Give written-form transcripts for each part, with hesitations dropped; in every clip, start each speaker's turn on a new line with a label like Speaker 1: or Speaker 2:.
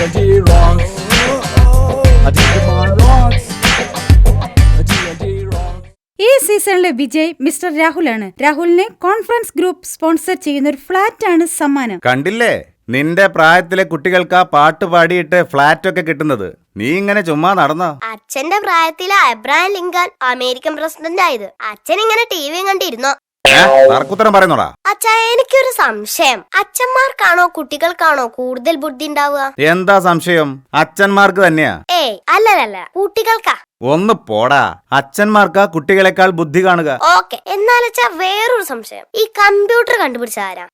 Speaker 1: G&G rocks. Digimon rocks. G&G rocks.
Speaker 2: ഈ സീസണിലെ Vijay mister രാഹുലാണ്. രാഹുലിനെ കോൺഫറൻസ് ഗ്രൂപ്പ് സ്പോൺസർ ചെയ്യുന്ന ഒരു ഫ്ലാറ്റ് ആണ് സമ്മാനം.
Speaker 3: കണ്ടില്ലേ, നിന്റെ പ്രായത്തിലെ കുട്ടികൾക്ക് ആ പാട്ട് പാടിയിട്ട് ഫ്ലാറ്റ് ഒക്കെ കിട്ടുന്നത്. നീ ഇങ്ങനെ ചുമ്മാ നടന്നോ?
Speaker 4: അച്ഛന്റെ പ്രായത്തിലെ അബ്രഹാം ലിങ്കൻ അമേരിക്കൻ പ്രസിഡന്റ് ആയത്. അച്ഛൻ ഇങ്ങനെ ടിവി കണ്ടിരുന്നോ?
Speaker 3: തർക്കുത്തരം പറയുന്നോടാ.
Speaker 4: അച്ഛാ, എനിക്കൊരു സംശയം. അച്ഛന്മാർക്കാണോ കുട്ടികൾക്കാണോ കൂടുതൽ ബുദ്ധി ഉണ്ടാവുക?
Speaker 3: എന്താ സംശയം? അച്ഛന്മാർക്ക് തന്നെയാ.
Speaker 4: ഏയ് അല്ലല്ല, കുട്ടികൾക്കാ.
Speaker 3: ഒന്ന് പോടാ, അച്ഛന്മാർക്കാ കുട്ടികളെക്കാൾ ബുദ്ധി കാണുക.
Speaker 4: ഓക്കെ, എന്നാലച്ചാ വേറൊരു സംശയം. ഈ കമ്പ്യൂട്ടർ കണ്ടുപിടിച്ച ആരാ?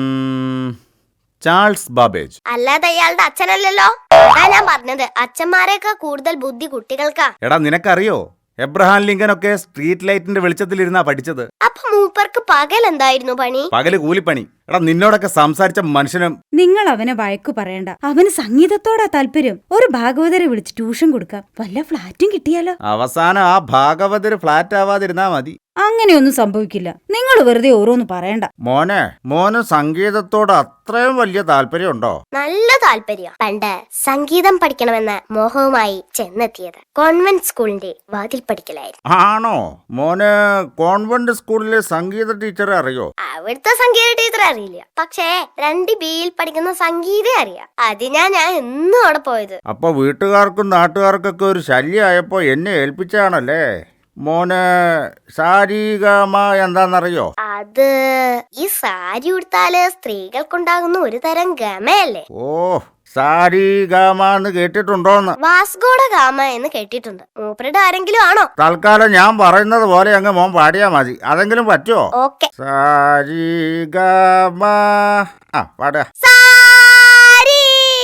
Speaker 3: Charles Babbage.
Speaker 4: അല്ലാതെ അയാളുടെ അച്ഛനല്ലല്ലോ. അതാ ഞാൻ പറഞ്ഞത്, അച്ഛന്മാരെക്കാ കൂടുതൽ ബുദ്ധി കുട്ടികൾക്കാ.
Speaker 3: എടാ, നിനക്കറിയോ എബ്രഹാം ലിങ്കൻ ഒക്കെ സ്ട്രീറ്റ് ലൈറ്റിന്റെ വെളിച്ചത്തിലിരുന്നാ പഠിച്ചത്.
Speaker 4: അപ്പൊ മൂപ്പർക്ക് പകൽ എന്തായിരുന്നു പണി?
Speaker 3: പകല് കൂലിപ്പണി. എടാ, നിന്നോടൊക്കെ സംസാരിച്ച മനുഷ്യനും.
Speaker 2: നിങ്ങൾ അവനെ വഴക്കു പറയണ്ട. അവന് സംഗീതത്തോടാ താല്പര്യം. ഒരു ഭാഗവതരെ വിളിച്ച് ട്യൂഷൻ കൊടുക്കാം. വല്ല ഫ്ലാറ്റും കിട്ടിയാലോ?
Speaker 3: അവസാനം ആ ഭാഗവതര് ഫ്ലാറ്റ് ആവാതിരുന്നാ മതി.
Speaker 2: അങ്ങനെയൊന്നും സംഭവിക്കില്ല. നിങ്ങൾ വെറുതെ ഓരോന്ന് പറയണ്ട.
Speaker 3: മോന് സംഗീതത്തോട് അത്രയും വലിയ താല്പര്യമുണ്ടോ?
Speaker 4: നല്ല താല്പര്യം. പണ്ട് സംഗീതം പഠിക്കണമെന്ന മോഹവുമായി ചെന്നെത്തിയത് കോൺവെന്റ് സ്കൂളിന്റെ വാതിൽ പഠിക്കലായിരുന്നു.
Speaker 3: ആണോ? മോന് കോൺവെന്റ് സ്കൂളിലെ സംഗീത ടീച്ചറെ അറിയോ?
Speaker 4: അവിടുത്തെ സംഗീത ടീച്ചർ അറിയില്ല, പക്ഷേ 2Bയിൽ പഠിക്കുന്ന സംഗീതം അറിയാം. അതിനാ ഞാൻ എന്നും അവിടെ പോയത്.
Speaker 3: അപ്പൊ വീട്ടുകാർക്കും നാട്ടുകാർക്കൊക്കെ ഒരു ശല്യമായപ്പോ എന്നെ ഏൽപ്പിച്ചാണല്ലേ? മോന് സാരിഗമ എന്താന്നറിയോ?
Speaker 4: അത് ഈ സാരി ഉടുത്താല് സ്ത്രീകൾക്കുണ്ടാകുന്ന ഒരു തരം ഗമയല്ലേ?
Speaker 3: ഓ, സാരിഗമ എന്ന് കേട്ടിട്ടുണ്ടോന്ന്?
Speaker 4: വാസ്കോഡ ഗാമ എന്ന് കേട്ടിട്ടുണ്ട്. മൂപ്പരുടെ ആരെങ്കിലും ആണോ?
Speaker 3: തൽക്കാലം ഞാൻ പറയുന്നത് പോലെ അങ്ങ് മോൻ പാടിയാ മതി. അതെങ്കിലും പറ്റുമോ?
Speaker 4: ഓക്കെ.
Speaker 3: സാരിഗമ. പാടുക.
Speaker 4: സാരി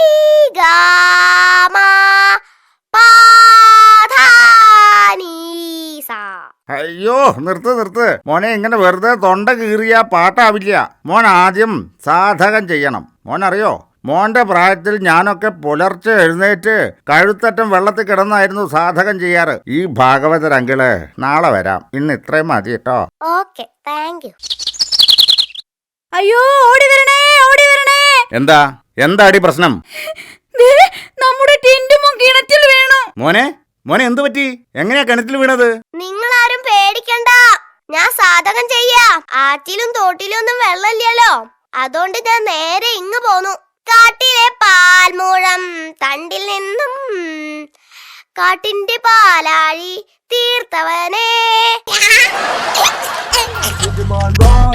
Speaker 4: ഗാമ
Speaker 3: അയ്യോ, നിർത്ത്. മോനെ, ഇങ്ങനെ വെറുതെ തൊണ്ട കീറിയ പാട്ടാവില്ല. മോൻ ആദ്യം സാധകം ചെയ്യണം. മോനറിയോ, മോന്റെ പ്രായത്തിൽ ഞാനൊക്കെ പുലർച്ചെ എഴുന്നേറ്റ് കഴുത്തറ്റം വെള്ളത്തിൽ കിടന്നായിരുന്നു സാധകം ചെയ്യാറ്. ഈ ഭാഗവതരങ്കിള് നാളെ വരാം. ഇന്ന് ഇത്രയും മതി കേട്ടോ.
Speaker 4: Okay, thank you.
Speaker 2: അയ്യോ, ഓടി വരണേ.
Speaker 3: എന്താടി പ്രശ്നം?
Speaker 2: നമ്മുടെ ടിന്റുമോൻ കിണറ്റിൽ വീണു.
Speaker 3: മോനെ എന്തു പറ്റി? എങ്ങനെയാ കിണറ്റിൽ വീണത്?
Speaker 4: നിങ്ങളാരും പേടിക്കണ്ട, ഞാൻ സാധകം ചെയ്യാം. ആറ്റിലും തോട്ടിലും ഒന്നും വെള്ളമില്ലല്ലോ, അതുകൊണ്ട് ഞാൻ നേരെ ഇങ്ങ് പോന്നു. കാട്ടിലെ പാൽമൂഴം തണ്ടിൽ നിന്നും കാട്ടിന്റെ പാലാഴി തീർത്തവനേ.
Speaker 1: Digimon rocks.